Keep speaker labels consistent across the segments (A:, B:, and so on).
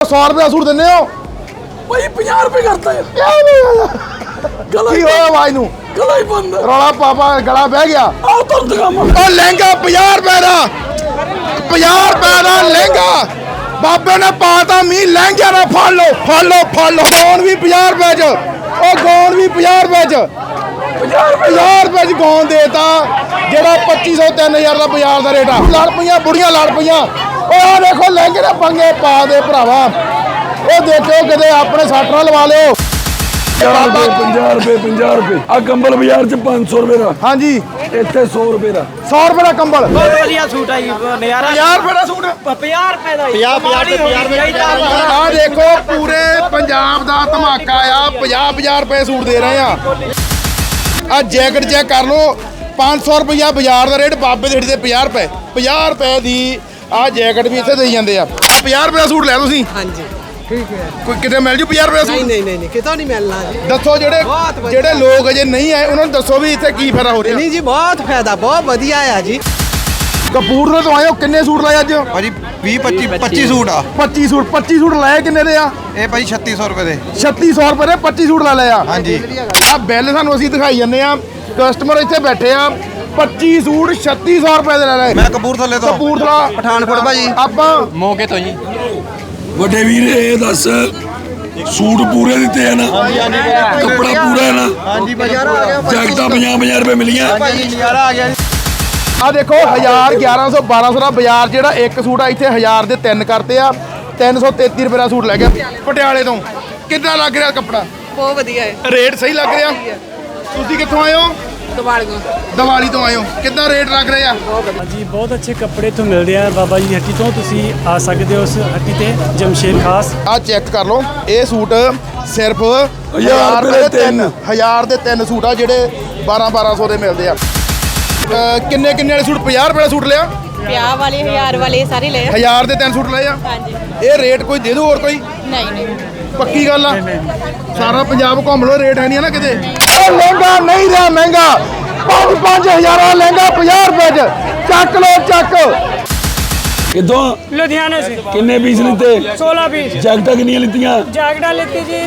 A: 100 रुपये का सूट देने हो
B: भाई 50 रुपए करता है गला
A: की होया आवाज नू
B: गला ही बंद है
A: रौला पापा गला बह गया
B: आओ तुरंत काम
A: ओ लहंगा 50 रुपए का 50 रुपए का लहंगा बाबे ने पाता मी लहंगे ना फड़ लो गौन भी 50 रुपए च ओ गौन भी 50 रुपए च 50 रुपए च गौन देता जेड़ा 2500 3000 का बाजार का रेट आ लड़ पईयां बुढ़ियां लड़ पईयां ओ आ देखो लहंगे ने पंगे पा दे भरावा ओ देखो किते अपने सट ना लवा लियो
B: 50 रुपए आ कंबल बाजार च 500 रुपए का
A: हाँ जी
B: ਇੱਥੇ 100 रुपए का
A: 100 रुपए का कंबल
C: ਬਹੁਤ ਵਧੀਆ ਸੂਟ ਆ ਜੀ ਨਜ਼ਾਰਾ
A: 50 रुपए का सूट
C: 50 ਰੁਪਏ ਦਾ
A: 50 ਆ ਦੇਖੋ ਪੂਰੇ ਪੰਜਾਬ ਦਾ ਧਮਾਕਾ ਆ 50 ਰੁਪਏ ਸੂਟ ਦੇ ਰਹੇ ਆ ਆ ਜੈਕਟ ਚੈੱਕ ਕਰ ਲਓ 500 ਰੁਪਇਆ ਬਾਜ਼ਾਰ ਦਾ ਰੇਟ ਬਾਬੇ ਦੇ ਹੇਠ ਤੇ 50 ਰੁਪਏ ਦੀ ਆ ਜੈਕਟ ਵੀ ਇੱਥੇ ਦੇਈ ਜਾਂਦੇ ਆ 50 ਰੁਪਏ ਦਾ ਸੂਟ ਲੈ ਤੁਸੀਂ
D: ਹਾਂਜੀ ਠੀਕ ਹੈ
A: ਕੋਈ ਕਿਤੇ ਮਿਲ ਜੂ 50 ਰੁਪਏ ਦਾ ਸੂਟ
D: ਨਹੀਂ ਕਿਤੋਂ ਨਹੀਂ ਮਿਲਣਾ ਜੀ
A: ਦੱਸੋ
D: ਬਹੁਤ ਵਧੀਆ।
A: ਜਿਹੜੇ ਲੋਕ ਅਜੇ ਨਹੀਂ ਆਏ ਉਹਨਾਂ ਨੂੰ ਦੱਸੋ ਵੀ ਇੱਥੇ ਕੀ ਫਾਇਦਾ ਹੋ ਰਿਹਾ
D: ਨਹੀਂ ਜੀ ਬਹੁਤ ਫਾਇਦਾ ਬਹੁਤ ਵਧੀਆ ਆ ਜੀ
A: ਕਪੂਰਥਲੇ ਤੋਂ ਆਏ ਹੋ ਕਿੰਨੇ ਸੂਟ ਲਏ ਅੱਜ
E: ਭਾਜੀ 25 ਸੂਟ ਆ
A: 25 ਸੂਟ ਲਏ ਕਿੰਨੇ ਦੇ ਆ
E: ਇਹ ਭਾਜੀ 3600 ਰੁਪਏ ਦੇ
A: 3600 ਰੁਪਏ ਦੇ 25 ਸੂਟ ਲੈ ਲਏ ਆ
E: ਹਾਂਜੀ
A: ਆ ਬਿੱਲ ਸਾਨੂੰ ਅਸੀਂ ਦਿਖਾਈ ਜੰਨੇ ਆ ਕਸਟਮਰ ਇੱਥੇ ਬੈਠੇ ਆ 25 ਸੂਟ 3600 ਰੁਪਏ ਦੇ ਲੈ ਲਏ
E: ਮੈਂ ਕਪੂਰਥਲੇ ਤੋਂ
A: ਕਪੂਰਥਲਾ
E: ਪਠਾਨਕੋਟ ਭਾਜੀ
A: ਆਪਾਂ
E: ਮੌਕੇ ਤੋਂ ਜੀ
B: ਵੱਡੇ ਵੀਰ ਇਹ ਦੱਸ ਸੂਟ ਪੂਰੇ ਦਿੱਤੇ ਆ ਨਾ ਕੱਪੜਾ ਪੂਰਾ ਹੈ ਨਾ
E: ਹਾਂਜੀ ਨਜ਼ਾਰਾ ਆ ਗਿਆ
B: ਜੈਕਟਾਂ 50 ਰੁਪਏ ਮਿਲੀਆਂ
E: ਭਾਜੀ ਨਜ਼ਾਰਾ ਆ ਗਿਆ
A: ਆ ਦੇਖੋ 1000 1100 1200 ਦਾ ਬਾਜ਼ਾਰ ਜਿਹੜਾ ਇੱਕ ਸੂਟ ਆ ਇੱਥੇ 1000 ਦੇ 3 ਕਰਤੇ ਆ 333 ਰੁਪਏ ਦਾ ਸੂਟ ਲੈ ਗਿਆ ਪਟਿਆਲੇ ਤੋਂ ਕਿੰਨਾ ਲੱਗ ਰਿਹਾ ਕੱਪੜਾ
F: ਬਹੁਤ ਵਧੀਆ ਹੈ
A: ਰੇਟ ਸਹੀ ਲੱਗ ਰਿਹਾ ਤੁਸੀਂ ਕਿੱਥੋਂ ਆਏ ਹੋ
F: ਦਿਵਾਲੀਆਂ
A: ਦੀਵਾਲੀ ਤੋਂ ਆਏ ਹੋ ਕਿੰਨਾ ਰੇਟ ਲੱਗ ਰਿਹਾ
G: ਜੀ ਬਹੁਤ ਅੱਛੇ ਕੱਪੜੇ ਇੱਥੋਂ ਮਿਲਦੇ ਆ ਬਾਬਾ ਜੀ ਦੀ ਹੱਟੀ ਤੋਂ ਤੁਸੀਂ ਆ ਸਕਦੇ ਹੋ ਉਸ ਹੱਟੀ ਤੇ ਜਮਸ਼ੇਦ ਖਾਸ
A: ਆ ਚੈੱਕ ਕਰ ਲਓ ਇਹ ਸੂਟ ਸਿਰਫ
B: 1000 ਰੁਪਏ ਦੇ
A: 1000 ਦੇ 3 ਸੂਟ ਆ ਜਿਹੜੇ 1200 ਦੇ ਮਿਲਦੇ ਆ ਕਿੰਨੇ ਵਾਲੇ ਸੂਟ 50 ਰੁਪਏ ਦਾ ਸੂਟ ਲਿਆ
F: ਵਿਆਹ ਵਾਲੇ 1000 ਵਾਲੇ ਸਾਰੇ ਲਏ
A: 1000 ਦੇ 3 ਸੂਟ ਲਏ ਆ
F: ਹਾਂਜੀ
A: ਇਹ ਰੇਟ ਕੋਈ ਦੇ ਦੋ ਹੋਰ ਕੋਈ
F: ਨਹੀਂ
A: ਪੱਕੀ ਗੱਲ ਆ ਸਾਰਾ ਪੰਜਾਬ ਘੁੰਮ ਲੋ ਰੇਟ ਹੈ ਨਹੀਂ ਨਾ ਕਿਤੇ ਉਹ ਲਹਿੰਗਾ ਨਹੀਂ ਰਿਹਾ ਮਹਿੰਗਾ 5000 ਦਾ ਲਹਿੰਗਾ 50 ਰੁਪਏ ਚ ਚੱਕ ਲੋ ਚੱਕ
B: ਕਿਦੋਂ
G: ਲੁਧਿਆਣੇ ਸੇ
B: ਕਿੰਨੇ ਪੀਸ ਲਿੱਤੇ
G: 16 ਪੀਸ
B: ਜੈਕਟਾਂ ਕਿੰਨੀਆਂ ਲਿੱਤੀਆਂ
G: जैकेटा लेती जी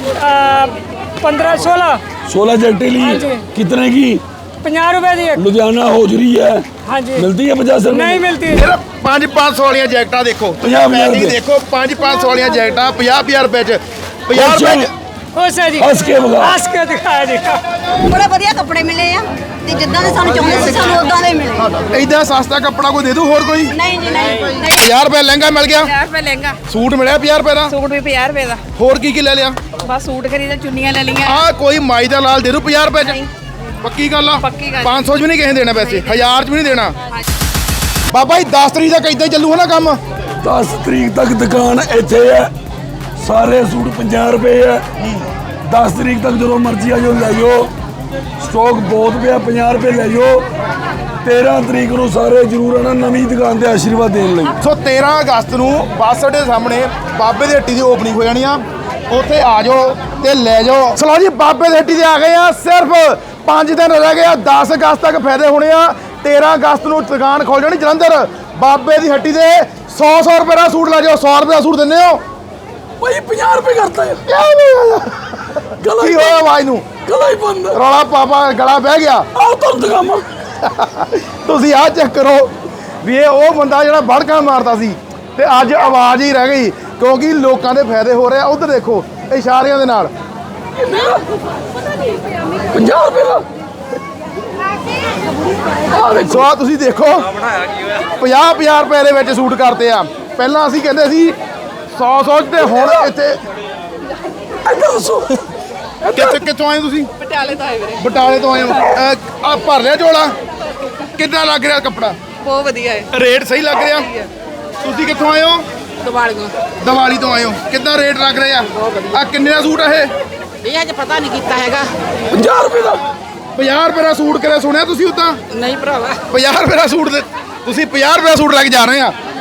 G: 15 16
B: 16 जैकटें ली
G: हाँ जी।
B: कितने की
G: 50 रुपए दी एक
B: लुधियाना होजरी है
G: हाँ जी
B: मिलती है 50 रुपए
G: नहीं मिलती
A: ਇਹਦਾ 500 ਵਾਲੀਆਂ ਜੈਕਟਾਂ ਦੇਖੋ
B: 50
A: ਪੈਕਿੰਗ ਦੇਖੋ 500 ਵਾਲੀਆਂ ਜੈਕਟਾਂ 50 ਰੁਪਏ ਚ 50 ਰੁਪਏ ਚ
G: हो सर जी
B: हंस के बगा
G: हंस के दिखाया जी
H: ਬੜਾ ਵਧੀਆ ਕੱਪੜੇ ਮਿਲੇ ਆ ਤੇ ਜਿੱਦਾਂ ਦੇ ਸਾਨੂੰ ਚਾਹੁੰਦੇ ਸੀ ਸਾਨੂੰ ਉਦਾਂ ਦੇ ਮਿਲੇ
A: ਇਦਾਂ ਸਸਤਾ ਕੱਪੜਾ ਕੋਈ ਦੇ ਦੂ ਹੋਰ ਕੋਈ
H: ਨਹੀਂ ਜੀ ਨਹੀਂ
A: 50 ਰੁਪਏ ਲਹਿੰਗਾ ਮਿਲ ਗਿਆ
F: 50 ਰੁਪਏ ਲਹਿੰਗਾ
A: ਸੂਟ ਮਿਲਿਆ 50 ਰੁਪਏ ਦਾ
F: ਸੂਟ ਵੀ 50 ਰੁਪਏ ਦਾ
A: ਹੋਰ ਕੀ ਲੈ ਲਿਆ
F: ਬਸ ਸੂਟ ਖਰੀਦਾ ਚੁੰਨੀਆਂ ਲੈ ਲਈਆਂ
A: ਆ ਕੋਈ ਮਾਈ ਦਾ ਲਾਲ ਦੇ ਦੂ 50 ਰੁਪਏ ਚ ਪੱਕੀ ਗੱਲ ਆ
F: ਪੱਕੀ ਗੱਲ।
A: 500 ਚ ਵੀ ਨਹੀਂ ਕਿਸੇ ਨੇ ਦੇਣਾ ਵੈਸੇ 1000 ਚ ਵੀ ਨਹੀਂ ਦੇਣਾ ਬਾਬਾ ਜੀ 10 ਤਰੀਕ ਤੱਕ ਇਦਾਂ ਚੱਲੂ ਹੈ ਨਾ ਕੰਮ
B: 10 ਤਰੀਕ ਤੱਕ ਦੁਕਾਨ ਇੱਥੇ ਹੈ ਸਾਰੇ ਸੂਟ 50 ਰੁਪਏ ਹੈ 10 ਤਰੀਕ ਤੱਕ ਜਦੋਂ ਮਰਜ਼ੀ ਆ ਜਾਓ ਲੈ ਜਾਓ ਸਟਾਕ ਬਹੁਤ ਪਿਆ 50 ਰੁਪਏ ਲੈ ਜਾਓ 13 ਤਰੀਕ ਨੂੰ ਸਾਰੇ ਜ਼ਰੂਰ ਆਣਾ ਨਵੀਂ ਦੁਕਾਨ ਤੇ ਆਸ਼ੀਰਵਾਦ ਦੇਣ ਲਈ
A: ਸੋ 13 ਅਗਸਤ ਨੂੰ ਬੱਸ ਅੱਡੇ ਸਾਹਮਣੇ ਬਾਬੇ ਦੀ ਹੱਟੀ ਦੀ ਓਪਨਿੰਗ ਹੋ ਜਾਣੀ ਆ ਉੱਥੇ ਆ ਜਾਓ ਤੇ ਲੈ ਜਾਓ ਚਲੋ ਜੀ ਬਾਬੇ ਦੀ ਹੱਟੀ ਤੇ ਆ ਗਏ ਆ ਸਿਰਫ 5 ਦਿਨ ਰਹਿ ਗਏ ਆ 10 ਅਗਸਤ ਤੱਕ ਫਾਇਦੇ ਹੋਣੇ ਆ 13 ਅਗਸਤ ਨੂੰ ਦੁਕਾਨ ਖੋਲ ਜਾਣੀ ਜਲੰਧਰ ਬਾਬੇ ਦੀ ਹੱਟੀ ਦੇ 100 ਰੁਪਏ ਦਾ ਸੂਟ ਲੈ ਜਾਓ 100 ਰੁਪਏ ਦਾ ਸੂਟ ਦਿੰਦੇ ਹੋ
B: ਭਾਈ 50 ਰੁਪਏ ਕਰਤਾ ਹੈ ਗਲਾ
A: ਕੀ ਹੋਇਆ ਆਵਾਜ਼ ਨੂੰ
B: ਗਲਾ ਹੀ ਬੰਦ ਹੈ
A: ਰੌਲਾ ਪਾਪਾ ਗਲਾ ਬਹਿ ਗਿਆ
B: ਆਓ ਤੁਰੰਤ ਕੰਮ
A: ਤੁਸੀਂ ਆਹ ਚੈੱਕ ਕਰੋ ਵੀ ਇਹ ਉਹ ਬੰਦਾ ਜਿਹੜਾ ਬੜਕਾ ਮਾਰਦਾ ਸੀ ਤੇ ਅੱਜ ਆਵਾਜ਼ ਹੀ ਰਹਿ ਗਈ ਕਿਉਂਕਿ ਲੋਕਾਂ ਦੇ ਫਾਇਦੇ ਹੋ ਰਹੇ ਆ ਉਧਰ ਦੇਖੋ ਇਸ਼ਾਰਿਆਂ ਦੇ ਨਾਲ
B: 50 ਰੁਪਏ ਦਾ
A: ਸੋ ਆਹ ਤੁਸੀਂ ਦੇਖੋ 50 ਰੁਪਏ ਦੇ ਵਿੱਚ ਸੂਟ ਕਰਤੇ ਆ ਪਹਿਲਾਂ ਅਸੀਂ ਕਹਿੰਦੇ ਸੀ 100 ਤੇ ਹੁਣ ਇੱਥੇ
B: ਇੱਧਰ ਦੱਸੋ
A: ਕਿੱਥੋਂ ਆਏ ਤੁਸੀਂ
F: ਪਟਿਆਲੇ ਤੋਂ ਆਏ ਵੀਰੇ
A: ਬਟਾਲੇ ਤੋਂ ਆਏ ਹੋ ਆ ਭਰ ਲਿਆ ਝੋਲਾ ਕਿੰਨਾ ਲੱਗ ਰਿਹਾ ਕੱਪੜਾ
F: ਬਹੁਤ ਵਧੀਆ ਹੈ
A: ਰੇਟ ਸਹੀ ਲੱਗ ਰਿਹਾ ਤੁਸੀਂ ਕਿੱਥੋਂ ਆਏ ਹੋ
F: ਦਿਵਾਲੀਆਂ
A: ਦੀਵਾਲੀ ਤੋਂ ਆਏ ਹੋ ਕਿੰਨਾ ਰੇਟ ਲੱਗ ਰਿਹਾ ਆ ਕਿੰਨੇ ਦਾ ਸੂਟ ਆ
F: ਇਹ ਅੱਜ ਪਤਾ ਨਹੀਂ ਕੀਤਾ ਹੈਗਾ
B: 50 ਰੁਪਏ ਦਾ
A: 50 ਰੁਪਏ ਦਾ ਸੂਟ ਕਰਿਆ ਸੁਣਿਆ ਤੁਸੀਂ ਉਦਾਂ
F: ਨਹੀਂ ਭਰਾਵਾ
A: 50 ਰੁਪਏ ਦਾ ਸੂਟ ਤੁਸੀਂ 50 ਰੁਪਏ ਦਾ ਸੂਟ ਲੈ ਕੇ ਜਾ ਰਹੇ ਆ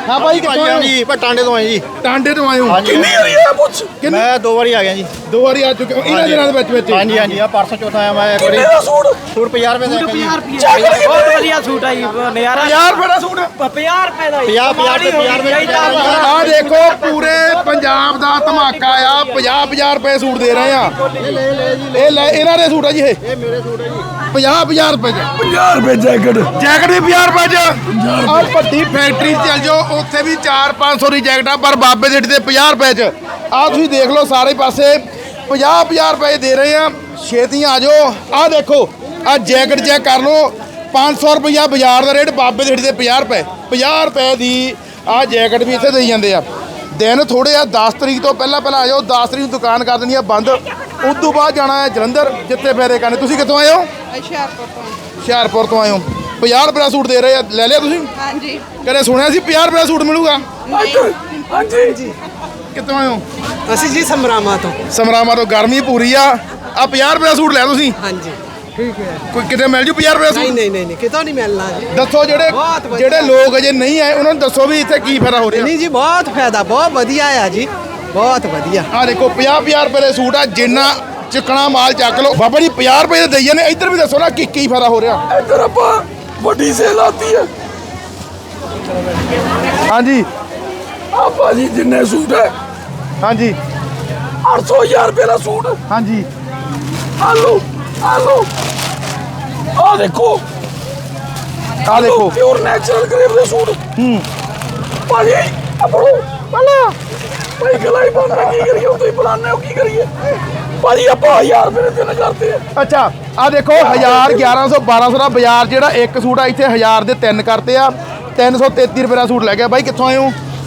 A: ਹਾਂ ਭਾਈ ਕਿੱਥੋਂ ਆਏ ਹੋ
E: ਜੀ ਪਰ ਟਾਂਡੇ ਤੋਂ ਆਏ ਜੀ
A: ਟਾਂਡੇ ਤੋਂ ਆਏ ਹੋ
B: ਕਿੰਨੀ ਵਾਰੀ ਆ ਪੁੱਛ
E: ਮੈਂ 2 ਵਾਰੀ ਆ ਗਿਆ ਜੀ
A: ਦੋ ਵਾਰੀ ਆ ਚੁੱਕੇ ਹੋ ਇਹਨਾਂ ਦਿਨਾਂ ਦੇ ਵਿੱਚ
E: ਹਾਂਜੀ ਹਾਂਜੀ ਆ ਪਰਸੋਂ ਚੌਥਾ ਆਇਆ ਮੈਂ ਇੱਕ ਵਾਰੀ
B: ਕਿੰਨੇ ਦਾ ਸੂਟ
E: ਸੂਟ 50 ਰੁਪਏ ਦਾ ਇੱਕ ਜੀ
C: ਬਹੁਤ ਵਧੀਆ ਸੂਟ ਆ ਜੀ ਨਜ਼ਾਰਾ
A: 50 ਰੁਪਏ ਦਾ ਸੂਟ
C: 50 ਰੁਪਏ ਦਾ
E: 50 ਰੁਪਏ
A: ਆ ਦੇਖੋ ਪੂਰੇ ਪੰਜਾਬ ਦਾ ਧਮਾਕਾ ਆ 50 ਰੁਪਏ ਸੂਟ ਦੇ ਰਹੇ ਆ ਇਹ ਲੈ ਇਹਨਾਂ ਦੇ ਸੂਟ ਆ ਜੀ ਇਹ
E: ਮੇਰੇ ਸੂਟ ਹੈ ਜੀ
A: 50 ਰੁਪਏ ਚ
B: 50 ਰੁਪਏ ਜੈਕਟ
A: ਜੈਕਟ ਵੀ 50 ਰੁਪਏ ਚ ਆ ਵੱਡੀ ਫੈਕਟਰੀ 'ਚ ਚੱਲ ਜਾਓ ਉੱਥੇ ਵੀ 400-500 ਦੀ ਜੈਕਟ ਆ ਪਰ ਬਾਬੇ ਦੇ ਤੇ 50 ਰੁਪਏ ਚ ਆ ਤੁਸੀਂ ਦੇਖ ਲਓ ਸਾਰੇ ਪਾਸੇ 50 ਰੁਪਏ ਦੇ ਰਹੇ ਆ ਛੇਤੀ ਆ ਜਾਓ ਆ ਦੇਖੋ ਆ ਜੈਕਟ ਚੈੱਕ ਕਰ ਲਓ 500 ਰੁਪਇਆ ਬਾਜ਼ਾਰ ਦਾ ਰੇਟ ਬਾਬੇ ਦੇ ਤੇ 50 ਰੁਪਏ ਦੀ ਆ ਜੈਕਟ ਵੀ ਇੱਥੇ ਦੇਈ ਜਾਂਦੇ ਆ ਦਿਨ ਥੋੜੇ ਆ 10 ਤਰੀਕ ਤੋਂ ਪਹਿਲਾਂ ਆ ਜਾਓ 10 ਤਰੀਕ ਨੂੰ ਦੁਕਾਨ ਕਰ ਦੇਣੀ ਆ ਬੰਦ ਉਸ ਤੋਂ ਬਾਅਦ ਜਾਣਾ ਹੈ ਜਲੰਧਰ ਜਿੱਥੇ ਫੇਰੇ ਕਰਨੇ ਤੁਸੀਂ ਕਿੱਥੋਂ ਆਏ ਹੋ ਹੁਸ਼ਿਆਰਪੁਰ ਤੋਂ ਆਏ ਹੋ 50 ਰੁਪਏ ਦਾ ਸੂਟ ਦੇ ਰਹੇ ਆ ਲੈ ਲਿਆ ਤੁਸੀਂ
H: ਹਾਂਜੀ
A: ਕਦੇ ਸੁਣਿਆ ਸੀ 50 ਰੁਪਏ ਦਾ ਸੂਟ ਮਿਲੂਗਾ
B: ਹਾਂਜੀ
A: ਕਿੱਥੋਂ ਆਏ ਹੋ
D: ਅਸੀਂ ਜੀ ਸਮਰਾਮਾ ਤੋਂ
A: ਸਮਰਾਮਾ ਤੋਂ ਗਰਮੀ ਪੂਰੀ ਆ 50 ਰੁਪਏ ਦਾ ਸੂਟ ਲੈ ਤੁਸੀਂ
D: ਹਾਂਜੀ ਠੀਕ ਹੈ
A: ਕੋਈ ਕਿਤੇ ਮਿਲ ਜੂ 50 ਰੁਪਏ ਦਾ ਸੂਟ
D: ਨਹੀਂ ਕਿਤੋਂ ਨਹੀਂ ਮਿਲਣਾ ਜੀ
A: ਦੱਸੋ
D: ਬਹੁਤ ਵਧੀਆ।
A: ਜਿਹੜੇ ਲੋਕ ਅਜੇ ਨਹੀਂ ਆਏ ਉਹਨਾਂ ਨੂੰ ਦੱਸੋ ਵੀ ਇੱਥੇ ਕੀ ਫਾਇਦਾ ਹੋ ਰਿਹਾ
D: ਨਹੀਂ ਜੀ ਬਹੁਤ ਫਾਇਦਾ ਬਹੁਤ ਵਧੀਆ ਆ ਜੀ ਬਹੁਤ ਵਧੀਆ
A: ਆ ਦੇਖੋ 50 ਰੁਪਏ ਦੇ ਸੂਟ ਆ ਜਿੰਨਾ ਚਿਕਣਾ ਮਾਲ ਚੱਕ ਲਓ ਬਾਬਾ ਜੀ 50 ਰੁਪਏ ਦੇ ਦੇਈ ਜਾਂਦੇ ਇੱਧਰ ਵੀ ਦੱਸੋ ਨਾ ਕੀ ਫਾਇਦਾ ਹੋ ਰਿਹਾ
B: ਇੱਧਰ ਆਪਾਂ ਵੱਡੀ ਸੇਲ ਆਤੀ ਹੈ
A: ਹਾਂਜੀ
B: ਆ ਭਾਜੀ ਜਿੰਨੇ ਸੂਟ ਹੈ
A: ਹਾਂਜੀ
B: 800,000 ਰੁਪਏ ਦਾ ਸੂਟ
A: ਹਾਂਜੀ
B: ਆ ਲਓ ਆ ਦੇਖੋ
A: ਆ ਦੇਖੋ
B: ਪਿਓਰ ਨੈਚੁਰਲ ਗ੍ਰੇਪ ਦੇ ਸੂਟ ਭਾਜੀ ਆਪਣੋ ਪਹਿਲਾਂ ਭਾਈ ਗਲਾਈ ਬੰਦ ਕੀ ਕਰੀਏ ਤੁਸੀਂ ਬੁਲਾਉਂਦੇ ਹੋ ਕੀ ਕਰੀਏ ਭਾਜੀ ਆਪਾਂ 1000 ਰੁਪਏ ਦੇ ਤਿੰਨ ਕਰਦੇ ਆ
A: ਅੱਛਾ ਆ ਦੇਖੋ 1000 1100 1200 ਦਾ ਬਾਜ਼ਾਰ ਜਿਹੜਾ ਇੱਕ ਸੂਟ ਆ ਇੱਥੇ 1000 ਦੇ ਤਿੰਨ ਕਰਤੇ ਆ 333 ਰੁਪਏ ਦਾ ਸੂਟ ਲੈ ਗਿਆ ਬਾਈ ਕਿੱਥੋਂ ਆਏ ਹੋ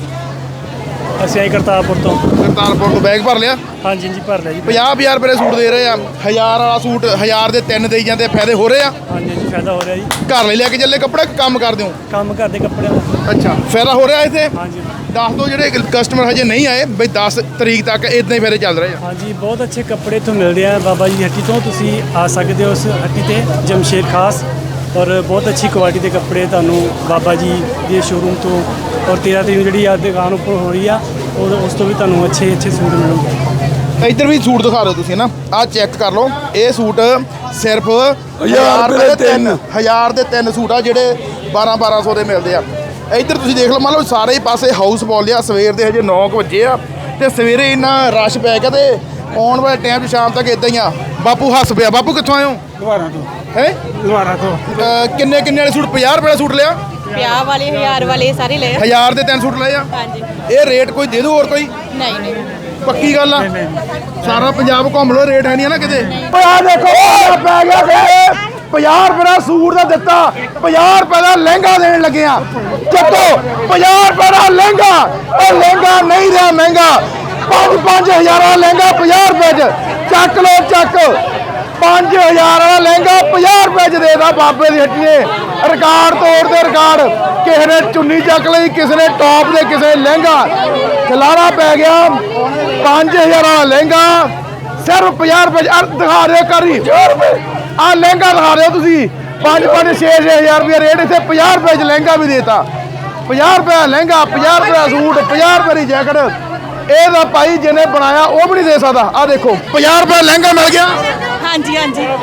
G: ਅਸੀਂ ਆਏ ਕਰਤਾਰਪੁਰ ਤੋਂ
A: ਕਰਤਾਰਪੁਰ ਤੋਂ ਬੈਗ ਭਰ ਲਿਆ
G: ਹਾਂਜੀ ਜੀ ਭਰ ਲਿਆ ਜੀ
A: 50 ਰੁਪਏ ਦੇ ਸੂਟ ਦੇ ਰਹੇ ਆ 1000 ਵਾਲਾ ਸੂਟ 1000 ਦੇ ਤਿੰਨ ਦੇਈ ਜਾਂਦੇ ਫਾਇਦੇ ਹੋ ਰਹੇ ਆ
G: ਹਾਂਜੀ ਜੀ ਫਾਇਦਾ ਹੋ ਰਿਹਾ ਜੀ
A: ਘਰ ਲਈ ਲੈ ਕੇ ਚੱਲੇ ਕੱਪੜੇ ਕੰਮ ਕਰਦੇ ਹੋ
G: ਕੰਮ ਕਰਦੇ ਕੱਪੜਿਆਂ ਦਾ
A: ਅੱਛਾ ਫਾਇਦਾ ਹੋ ਰਿਹਾ ਇੱਥੇ
G: ਹਾਂਜੀ
A: ਦੱਸ ਦਿਓ ਜਿਹੜੇ ਕਸਟਮਰ ਹਜੇ ਨਹੀਂ ਆਏ ਬਈ 10 ਤਰੀਕ ਤੱਕ ਇਦਾਂ ਹੀ ਫਾਇਦੇ ਚੱਲ ਰਹੇ ਆ
G: ਹਾਂਜੀ ਬਹੁਤ ਅੱਛੇ ਕੱਪੜੇ ਇੱਥੋਂ ਮਿਲਦੇ ਆ ਬਾਬਾ ਜੀ ਦੀ ਹੱਟੀ ਤੋਂ ਤੁਸੀਂ ਆ ਸਕਦੇ ਹੋ ਉਸ ਹੱਟੀ ਤੇ ਜਮਸ਼ੇਦ ਖਾਸ ਔਰ ਬਹੁਤ ਅੱਛੀ ਕੁਆਲਿਟੀ ਦੇ ਕੱਪੜੇ ਤੁਹਾਨੂੰ ਬਾਬਾ ਜੀ ਦੇ ਸ਼ੋਰੂਮ ਤੋਂ ਔਰ 13 ਤਰੀਕ ਨੂੰ ਜਿਹੜੀ ਆ ਦੁਕਾਨ ਉੱਪਰ ਹੋ ਰਹੀ ਆ ਉਸ ਤੋਂ ਵੀ ਤੁਹਾਨੂੰ ਅੱਛੇ ਸੂਟ ਮਿਲਣਗੇ
A: ਇੱਧਰ ਵੀ ਸੂਟ ਦਿਖਾ ਦਿਓ ਤੁਸੀਂ ਨਾ ਆਹ ਚੈੱਕ ਕਰ ਲਓ ਇਹ ਸੂਟ ਸਿਰਫ
B: 1000 ਰੁਪਏ ਦੇ ਤਿੰਨ
A: 1000 ਦੇ ਤਿੰਨ ਸੂਟ ਆ ਜਿਹੜੇ 1200 ਦੇ ਮਿਲਦੇ ਆ ਇੱਧਰ ਤੁਸੀਂ ਦੇਖ ਲਓ ਮੰਨ ਲਓ ਸਾਰੇ ਹੀ ਪਾਸੇ ਹਾਊਸ ਬੋਲ ਆ ਸਵੇਰ ਦੇ ਹਜੇ 9 ਵਜੇ ਆ ਤੇ ਸਵੇਰੇ ਇੰਨਾ ਰਸ਼ ਪੈ ਗਿਆ ਤੇ ਆਉਣ ਵਾਲੇ ਟਾਈਮ 'ਚ ਸ਼ਾਮ ਤੱਕ ਇਦਾਂ ਹੀ ਆ ਬਾਪੂ ਹੱਸ ਪਿਆ ਬਾਪੂ ਕਿੱਥੋਂ ਆਏ ਹੋ
G: ਦੁਬਾਰਾ ਤੋਂ
A: ਹੈ
G: ਦੁਬਾਰਾ ਤੋਂ
A: ਕਿੰਨੇ ਵਾਲੇ ਸੂਟ 50 ਰੁਪਏ ਦਾ ਸੂਟ ਲਿਆ
H: ਵਿਆਹ ਵਾਲੇ 1000 ਵਾਲੇ ਸਾਰੇ ਲਏ
A: 1000 ਦੇ ਤਿੰਨ ਸੂਟ ਲਏ ਆ
H: ਹਾਂਜੀ
A: ਇਹ ਰੇਟ ਕੋਈ ਦੇ ਦਿਓ ਹੋਰ ਕੋਈ
H: ਨਹੀਂ
A: ਪੱਕੀ ਗੱਲ ਆ ਸਾਰਾ ਪੰਜਾਬ ਘੁੰਮ ਲੋ ਰੇਟ ਹੈ ਨਹੀਂ ਨਾ ਕਿਤੇ ਓਏ ਆ ਦੇਖੋ ਆ ਪੈ ਗਿਆ ਕਿ 50 ਰੁਪਏ ਦਾ ਸੂਟ ਦਾ ਦਿੱਤਾ 50 ਰੁਪਏ ਦਾ ਲਹਿੰਗਾ ਦੇਣ ਲੱਗੇ ਆ ਚੱਕੋ 50 ਰੁਪਏ ਦਾ ਲਹਿੰਗਾ ਉਹ ਲਹਿੰਗਾ ਨਹੀਂ ਰਿਹਾ ਮਹਿੰਗਾ 5-5000 ਵਾਲਾ ਲਹਿੰਗਾ 50 ਰੁਪਏ ਚ ਚੱਕ ਲੋ ਚੱਕ 5000 ਵਾਲਾ ਲਹਿੰਗਾ 50 ਰੁਪਏ ਚ ਦੇਦਾ ਬਾਬੇ ਦੀ ਹੱਟੀ ਨੇ ਰਿਕਾਰਡ ਤੋੜਦੇ ਰਿਕਾਰਡ ਕਿਸੇ ਨੇ ਚੁੰਨੀ ਚੱਕ ਲਈ ਕਿਸੇ ਨੇ ਟੌਪ ਦੇ ਕਿਸੇ ਨੇ ਲਹਿੰਗਾ ਖਲਾਰਾ ਪੈ ਗਿਆ 5000 ਵਾਲਾ ਲਹਿੰਗਾ ਸਿਰਫ 50 ਰੁਪਏ ਦਿਖਾ ਦਿਓ ਕਰੀ ਆ ਲਹਿੰਗਾ ਦਿਖਾ ਦਿਓ ਤੁਸੀਂ 5-6-6000 ਰੁਪਏ ਰੇਟ ਇੱਥੇ 50 ਰੁਪਏ ਚ ਲਹਿੰਗਾ ਵੀ ਦੇਤਾ 50 ਰੁਪਏ ਦਾ ਲਹਿੰਗਾ 50 ਰੁਪਏ ਦਾ ਸੂਟ 50 ਰੁਪਏ ਦੀ ਜੈਕਟ ਇਹ ਤਾਂ ਭਾਈ ਜਿਹਨੇ ਬਣਾਇਆ ਉਹ ਵੀ ਨਹੀਂ ਦੇ ਸਕਦਾ ਆ ਦੇਖੋ 50 ਰੁਪਏ ਦਾ ਲਹਿੰਗਾ ਮਿਲ ਗਿਆ
H: ਹਾਂਜੀ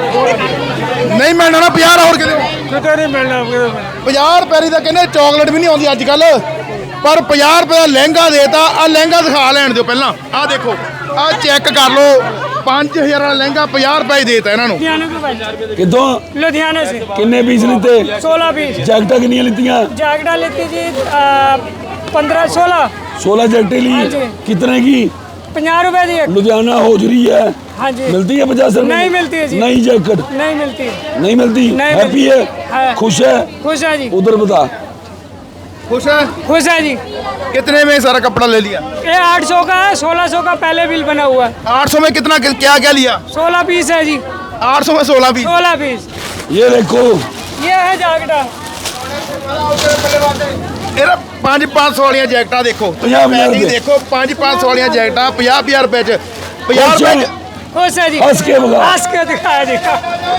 A: ਨਹੀਂ ਮਿਲਣਾ ਨਾ 50 ਹੋਰ
G: ਕਿਤੇ ਨਹੀਂ ਮਿਲਣਾ
A: 50 ਰੁਪਏ ਦੀ ਤਾਂ ਕਹਿੰਦੇ ਚਾਕਲੇਟ ਵੀ ਨਹੀਂ ਆਉਂਦੀ ਅੱਜ ਕੱਲ ਪਰ 50 ਰੁਪਏ ਦਾ ਲਹਿੰਗਾ ਦੇਤਾ ਆ ਲਹਿੰਗਾ ਦਿਖਾ ਲੈਣ ਦਿਓ ਪਹਿਲਾਂ ਆ ਦੇਖੋ ਆ ਚੈੱਕ ਕਰ ਲਓ 5000 ਵਾਲਾ ਲਹਿੰਗਾ 50 ਰੁਪਏ ਹੀ ਦੇਤਾ ਇਹਨਾਂ ਨੂੰ
B: ਕਿੱਥੋਂ
G: लुधियाना से
B: ਕਿੰਨੇ ਪੀਸ ਲਿੱਤੇ
G: 16 पीस
B: ਜੈਕਟਾਂ ਕਿੰਨੀਆਂ ਲਿੱਤੀਆਂ
G: जैकटा लेती जी 15-16
B: 16 जैकटें ली
G: हाँ जी।
B: कितने की
G: 50 रुपए दी एक।
B: लुधियाना होजरी है
G: हाँ जी
B: मिलती है 50 रुपए
G: नहीं मिलती है जी।
B: नई जैकेट
G: नहीं मिलती
B: नहीं मिलती
G: नहीं
B: हैप्पी
G: मिलती।
B: है
G: है।
B: खुश है
G: खुश है जी
B: उधर बता
A: खुश है
G: खुश है जी
A: कितने में सारा कपड़ा ले लिया
G: ये 800 का है 1600 का पहले बिल बना हुआ है
A: 800 में कितना क्या क्या लिया
G: 16 पीस है जी
A: 800 में 16 भी
G: 16 पीस
B: ये देखो
G: ये है जैकटा
A: ਇਹਦਾ 5-500 ਵਾਲੀਆਂ ਜੈਕਟਾਂ ਦੇਖੋ ਤੁਸੀਂ
B: 50,000
A: ਪੈਕਿੰਗ
B: ਰੁਪਏ।
A: ਦੇਖੋ 5-500 ਵਾਲੀਆਂ ਜੈਕਟਾਂ 50,000 ਰੁਪਏ ਚ 50 ਰੁਪਏ ਚ
G: खुश है जी
B: हंस के बता।
G: हंस के दिखाया जी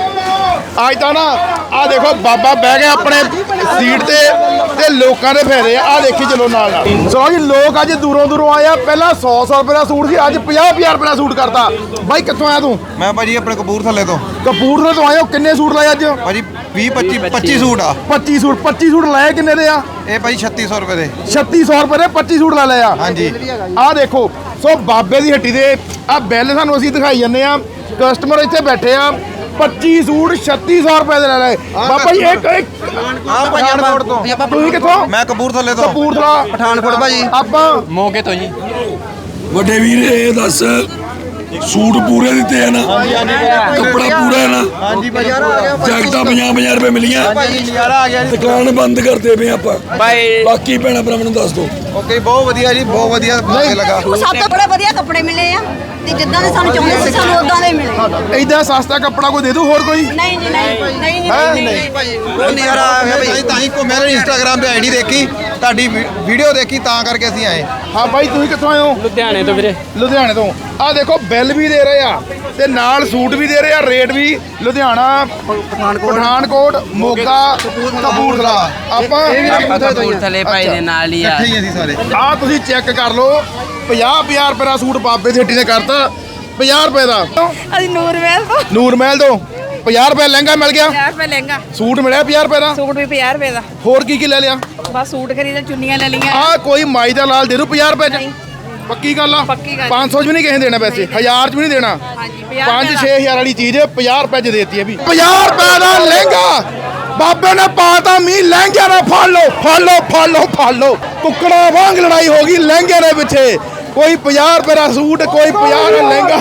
A: ਅੱਜ ਤਾਂ ਨਾ ਆ ਦੇਖੋ ਬਾਬਾ ਬਹਿ ਗਿਆ ਆਪਣੇ ਸੀਟ ਤੇ ਲੋਕਾਂ ਦੇ ਫਾਇਦੇ ਆ ਦੇਖੀ ਚਲੋ ਨਾਲ ਨਾਲ। ਸੋ ਜੀ ਲੋਕ ਅੱਜ ਦੂਰੋਂ ਦੂਰੋਂ ਆਏ ਆ। ਪਹਿਲਾਂ 100 ਰੁਪਏ ਦਾ ਸੂਟ ਸੀ, ਅੱਜ 50 ਰੁਪਏ ਦਾ ਸੂਟ ਕਰਤਾ। ਬਾਈ ਕਿੱਥੋਂ ਆਇਆ ਤੂੰ?
I: ਮੈਂ ਭਾਜੀ ਆਪਣੇ ਕਪੂਰਥਲੇ ਤੋਂ।
A: ਕਪੂਰਥਲੇ ਤੋਂ ਆਏ ਹੋ? ਕਿੰਨੇ ਸੂਟ ਲਏ ਅੱਜ?
I: ਭਾਜੀ 25 ਸੂਟ ਆ।
A: 25 ਸੂਟ ਲਏ ਕਿੰਨੇ ਦੇ ਆ?
I: ਇਹ ਭਾਜੀ 3600 ਰੁਪਏ ਦੇ।
A: 3600 ਰੁਪਏ ਦੇ 25 ਸੂਟ ਲੈ ਲਏ ਆ।
I: ਹਾਂਜੀ
A: ਆ ਦੇਖੋ। ਸੋ ਬਾਬੇ ਦੀ ਹੱਟੀ ਦੇ ਆ ਬਿੱਲ ਸਾਨੂੰ ਅਸੀਂ ਦਿਖਾਈ ਜਾਂਦੇ ਆ। ਕਸਟਮਰ ਇੱਥੇ ਬੈਠੇ ਆ। 25 ਸੂਟ 3600 ਰੁਪਏ ਦੇ ਲੈ ਲਏ ਬਾਬਾ ਜੀ। ਇੱਕ
I: ਪਠਾਨਕੋਟ ਤੋਂ।
A: ਤੁਸੀਂ ਕਿੱਥੋਂ?
I: ਮੈਂ ਕਪੂਰਥਲੇ ਤੋਂ।
A: ਕਪੂਰਥਲਾ
I: ਪਠਾਨਕੋਟ ਭਾਜੀ।
A: ਆਪਾਂ
C: ਮੋਗੇ ਤੋਂ ਜੀ।
B: ਵੱਡੇ ਵੀਰ ਇਹ ਦੱਸ ਸੂਟ ਪੂਰੇ ਦਿੱਤੇ ਆ ਨਾ? ਕੱਪੜਾ ਪੂਰਾ ਹੈ ਨਾ?
I: ਹਾਂਜੀ ਭਾਜੀ
B: ਜੈਕਟਾਂ 50 ਰੁਪਏ ਮਿਲੀਆਂ।
I: ਨਜ਼ਾਰਾ ਆ ਗਿਆ ਜੀ।
B: ਦੁਕਾਨ ਬੰਦ ਕਰਦੇ ਪਏ ਆਪਾਂ।
C: ਬਾਈ
B: ਬਾਕੀ ਭੈਣਾ ਭਰਾਵਾਂ ਨੂੰ ਦੱਸ ਦੋ।
I: ਓਕੇ ਬਹੁਤ ਵਧੀਆ ਜੀ, ਬਹੁਤ ਵਧੀਆ ਲੱਗਾ।
H: ਸਭ ਤੋਂ ਬੜੇ ਵਧੀਆ ਕੱਪੜੇ ਮਿਲੇ ਆ ਤੇ ਜਿੱਦਾਂ ਦੇ ਸਾਨੂੰ ਚਾਹੁੰਦੇ ਸੀ ਸਾਨੂੰ ਉਦਾਂ ਦੇ ਮਿਲੇ।
A: ਏਦਾਂ ਸਸਤਾ ਕੱਪੜਾ ਕੋਈ ਦੇ ਦੂ ਹੋਰ ਕੋਈ?
H: ਨਹੀਂ ਜੀ ਨਹੀਂ
I: ਭਾਜੀ ਬਹੁਤ ਨਜ਼ਾਰਾ ਆ ਗਿਆ ਭਾਜੀ। ਤਾਂ ਹੀ ਮੈਂ ਇੰਸਟਾਗ੍ਰਾਮ ਤੇ ਆਈਡੀ ਦੇਖੀ, ਤੁਹਾਡੀ ਵੀਡੀਓ ਦੇਖੀ, ਤਾਂ ਕਰਕੇ ਅਸੀਂ ਆਏ।
A: ਹਾਂ ਬਾਈ ਤੁਸੀਂ ਕਿੱਥੋਂ ਆਏ ਹੋ?
C: ਲੁਧਿਆਣੇ ਤੋਂ ਵੀਰੇ।
A: ਲੁਧਿਆਣੇ ਤੋਂ। ਆ ਦੇਖੋ ਬਿੱਲ ਵੀ ਦੇ ਰਹੇ ਆ ਤੇ ਨਾਲ ਸੂਟ ਵੀ ਦੇ ਰਹੇ ਆ। ਰੇਟ ਵੀ ਲੁਧਿਆਣਾ, ਪਠਾਨਕੋਟ, ਮੋਗਾ, ਕਪੂਰਥਲਾ। ਆਪਾਂ
F: ਕਪੂਰਥਲੇ ਭਾਈ ਦੇ ਨਾਲ ਹੀ ਆ।
I: ਇਕੱਠੇ ਹੀ ਅਸੀਂ ਸਾਰੇ।
A: ਆ ਤੁਸੀਂ ਚੈੱਕ ਕਰ ਲਓ। 50 ਰੁਪਏ ਦਾ ਸੂਟ ਬਾਬੇ ਦੀ ਹੱਟੀ ਨੇ ਕਰਤਾ 50 ਰੁਪਏ ਦਾ।
H: ਅਸੀਂ ਨੂਰ ਮਹਿਲ ਤੋਂ
A: ਨੂਰ ਮਹਿਲ ਤੋਂ 50 ਰੁਪਏ ਲਹਿੰਗਾ ਮਿਲ ਗਿਆ।
H: 50 ਰੁਪਏ ਲਹਿੰਗਾ।
A: ਸੂਟ ਮਿਲਿਆ 50 ਰੁਪਏ ਦਾ।
H: ਸੂਟ ਵੀ 50 ਰੁਪਏ ਦਾ।
A: ਹੋਰ ਕੀ ਲੈ ਲਿਆ?
H: ਬਸ ਸੂਟ ਖਰੀਦੇ, ਚੁੰਨੀਆਂ ਲੈ ਲਈਆਂ।
A: ਆ ਕੋਈ ਮਾਈ ਦਾ ਲਾਲ ਦੇ ਦੂ 50 ਰੁਪਏ ਚ? ਪੱਕੀ ਗੱਲ ਆ?
H: ਪੱਕੀ ਗੱਲ।
A: 500 ਚ ਵੀ ਨਹੀਂ ਕਿਸੇ ਨੇ ਦੇਣਾ ਪੈਸੇ, 1000 ਚ ਵੀ ਨਹੀਂ ਦੇਣਾ।
H: ਹਾਂਜੀ
A: 5-6 ਹਜ਼ਾਰ ਵਾਲੀ ਚੀਜ਼ 50 ਰੁਪਏ ਚ ਦੇਤੀ ਹੈ ਵੀ। 50 ਰੁਪਏ ਦਾ ਲਹਿੰਗਾ ਬਾਬੇ ਨੇ ਪਾਤਾ ਮੀਂਹ। ਲਹਿੰਗਿਆਂ ਦਾ ਫੜ ਲਓ। ਕੁੱਕੜਾ ਵਾਂਗ ਲੜਾਈ ਹੋ ਗਈ ਲਹਿੰਗੇ ਦੇ ਪਿੱਛੇ। ਕੋਈ 50 ਰੁਪਏ ਦਾ ਸੂਟ, ਕੋਈ 50 ਦਾ ਲਹਿੰਗਾ।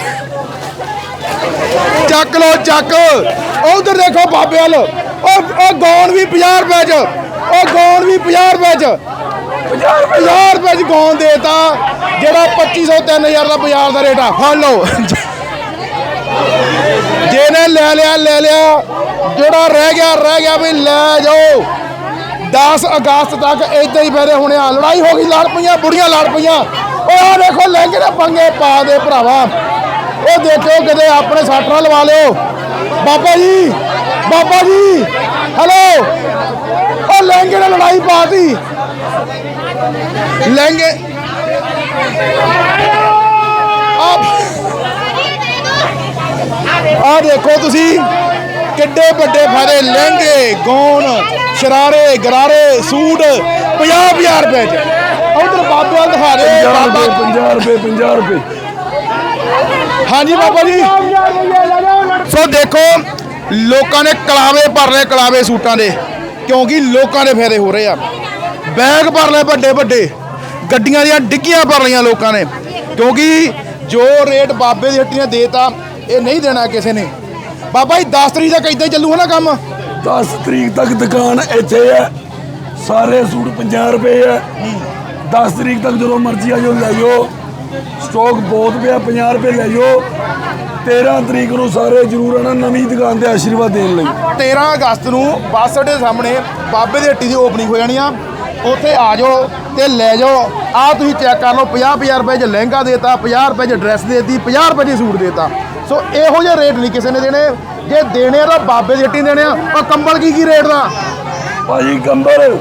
A: ਚੱਕ ਲਓ। ਉਧਰ ਦੇਖੋ ਬਾਬੇ ਵੱਲ। ਉਹ ਗੌਨ ਵੀ 50 ਰੁਪਏ ਚ। ਉਹ ਗੌਨ ਵੀ 50 ਰੁਪਏ ਚ। 50 ਰੁਪਏ ਚ ਗੌਨ ਦੇਤਾ ਜਿਹੜਾ 2500 3000 ਦਾ ਬਾਜ਼ਾਰ ਦਾ ਰੇਟ ਆ। ਫੜ ਲਓ। ਜਿਹਨੇ ਲੈ ਲਿਆ ਜਿਹੜਾ ਰਹਿ ਗਿਆ ਵੀ ਲੈ ਜਾਓ। 10 ਅਗਸਤ ਤੱਕ ਏਦਾਂ ਹੀ ਫੇਰੇ ਹੋਣੇ ਆ। ਲੜਾਈ ਹੋ ਗਈ, ਲੜ ਪਈਆਂ ਬੁੜੀਆਂ, ਲੜ ਪਈਆਂ। ਉਹ ਆ ਦੇਖੋ ਲਹਿੰਗੇ ਦੇ ਪੰਗੇ ਪਾ ਦੇ ਭਰਾਵਾ। ਉਹ ਦੇਖੋ ਕਿਤੇ ਆਪਣੇ ਸਾਟਰਾ ਲਵਾ ਲਿਓ। ਬਾਬਾ ਜੀ ਹੈਲੋ। ਉਹ ਲਹਿੰਗੇ ਨੇ ਲੜਾਈ ਪਾਤੀ। ਲਹਿੰਗੇ ਆ ਦੇਖੋ ਤੁਸੀਂ ਕਿੱਡੇ ਵੱਡੇ ਫਾਇਦੇ। ਲਹਿੰਗੇ, ਗੌਨ, ਸ਼ਰਾਰੇ, ਗਰਾਰੇ, ਸੂਟ 50 ਰੁਪਏ ਚ। ਉਧਰ ਬਾਬੇ ਵੱਲ ਦਿਖਾ ਦੇ।
B: 50 ਰੁਪਏ।
A: ਹਾਂਜੀ ਬਾਬਾ ਜੀ। ਸੋ ਦੇਖੋ ਲੋਕਾਂ ਨੇ ਕਲਾਵੇ ਭਰ ਲਏ, ਕਲਾਵੇ ਸੂਟਾਂ ਦੇ, ਕਿਉਂਕਿ ਲੋਕਾਂ ਦੇ ਫਾਇਦੇ ਹੋ ਰਹੇ ਆ। ਬੈਗ ਭਰ ਲਏ ਵੱਡੇ, ਗੱਡੀਆਂ ਦੀਆਂ ਡਿੱਗੀਆਂ ਭਰ ਲਈਆਂ ਲੋਕਾਂ ਨੇ, ਕਿਉਂਕਿ ਜੋ ਰੇਟ ਬਾਬੇ ਦੀ ਹੱਟੀ ਨੇ ਦੇਤਾ ਇਹ ਨਹੀਂ ਦੇਣਾ ਕਿਸੇ ਨੇ। ਬਾਬਾ ਜੀ 10 ਤਰੀਕ ਤੱਕ ਇਦਾਂ ਹੀ ਚੱਲੂ ਹੈ ਨਾ ਕੰਮ?
B: 10 ਤਰੀਕ ਤੱਕ ਦੁਕਾਨ ਇੱਥੇ ਹੈ। ਸਾਰੇ ਸੂਟ 50 ਰੁਪਏ ਹੈ। 10 ਤਰੀਕ ਤੱਕ ਜਦੋਂ ਮਰਜ਼ੀ ਆ ਜਾਓ, ਲੈ ਜਾਓ। ਸਟਾਕ ਬਹੁਤ ਪਿਆ, 50 ਰੁਪਏ ਲੈ ਜਾਓ। 13 ਤਰੀਕ ਨੂੰ ਸਾਰੇ ਜ਼ਰੂਰ ਆਣਾ ਨਵੀਂ ਦੁਕਾਨ ਤੇ ਆਸ਼ੀਰਵਾਦ ਦੇਣ ਲਈ।
A: 13 ਅਗਸਤ ਨੂੰ ਬੱਸ ਅੱਡੇ ਦੇ ਸਾਹਮਣੇ ਬਾਬੇ ਦੀ ਹੱਟੀ ਦੀ ਓਪਨਿੰਗ ਹੋ ਜਾਣੀ ਆ। ਉੱਥੇ ਆ ਜਾਓ ਤੇ ਲੈ ਜਾਓ। ਆ ਤੁਸੀਂ ਚੈੱਕ ਕਰ ਲਓ। 50 ਰੁਪਏ 'ਚ ਲਹਿੰਗਾ ਦੇਤਾ, 50 ਰੁਪਏ 'ਚ ਡਰੈਸ ਦੇਤੀ, 50 ਰੁਪਏ 'ਚ ਸੂਟ ਦੇਤਾ। ਸੋ ਇਹੋ ਜਿਹੇ ਰੇਟ ਨਹੀਂ ਕਿਸੇ ਨੇ ਦੇਣੇ। ਜੇ ਦੇਣੇ ਆ ਤਾਂ ਬਾਬੇ ਦੀ ਹੱਟੀ ਦੇਣੇ ਆ। ਉਹ ਕੰਬਲ ਕੀ ਰੇਟ ਦਾ?
B: ਭਾਜੀ ਕੰਬਲ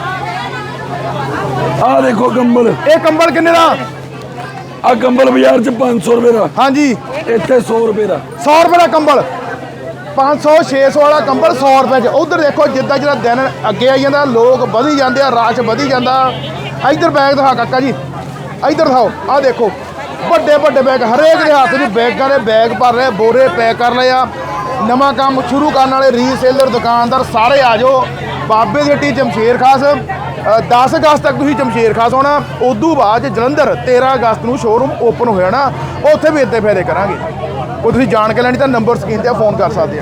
B: ਆ ਦੇਖੋ। ਕੰਬਲ
A: ਇਹ ਕੰਬਲ ਕਿੰਨੇ ਦਾ?
B: ਆ ਕੰਬਲ ਬਾਜ਼ਾਰ 'ਚ 500 ਰੁਪਏ ਦਾ।
A: ਹਾਂਜੀ
B: ਇੱਥੇ 100 ਰੁਪਏ ਦਾ।
A: 100 ਰੁਪਏ ਦਾ ਕੰਬਲ। 500-600 ਵਾਲਾ ਕੰਬਲ 100 ਰੁਪਏ 'ਚ। ਉਧਰ ਦੇਖੋ ਜਿੱਦਾਂ ਜਿਹੜਾ ਦਿਨ ਅੱਗੇ ਆਈ ਜਾਂਦਾ ਲੋਕ ਵਧੀ ਜਾਂਦੇ ਆ, ਰਸ਼ ਵਧੀ ਜਾਂਦਾ। ਇੱਧਰ ਬੈਗ ਦਿਖਾ ਕਾਕਾ ਜੀ, ਇੱਧਰ ਦਿਖਾਓ। ਆਹ ਦੇਖੋ ਵੱਡੇ ਬੈਗ, ਹਰੇਕ ਦੇ ਹੱਥ 'ਚ ਬੈਗਾਂ ਦੇ ਬੈਗ ਭਰ ਰਹੇ, ਬੋਰੇ ਪੈਕ ਕਰ ਲਏ ਆ। ਨਵਾਂ ਕੰਮ ਸ਼ੁਰੂ ਕਰਨ ਵਾਲੇ ਰੀਸੇਲਰ, ਦੁਕਾਨਦਾਰ ਸਾਰੇ ਆ ਜਾਓ। ਬਾਬੇ ਦੀ ਹੱਟੀ ਜਮਸ਼ੇਰ ਖਾਸ 10 ਅਗਸਤ ਤੱਕ ਤੁਸੀਂ ਜਮਸ਼ੇਰ ਖਾਸ ਆਉਣਾ। ਉਦੋਂ ਬਾਅਦ ਜਲੰਧਰ 13 ਅਗਸਤ ਨੂੰ ਸ਼ੋਰੂਮ ਓਪਨ ਹੋ ਜਾਣਾ। ਉੱਥੇ ਵੀ ਇੱਦਾਂ ਫਾਇਦੇ ਕਰਾਂਗੇ। ਉਹ ਤੁਸੀਂ ਜਾਣ ਕੇ ਲੈਣੀ ਤਾਂ ਨੰਬਰ ਸਕਰੀਨ ਤੇ ਫੋਨ ਕਰ ਸਕਦੇ ਆ।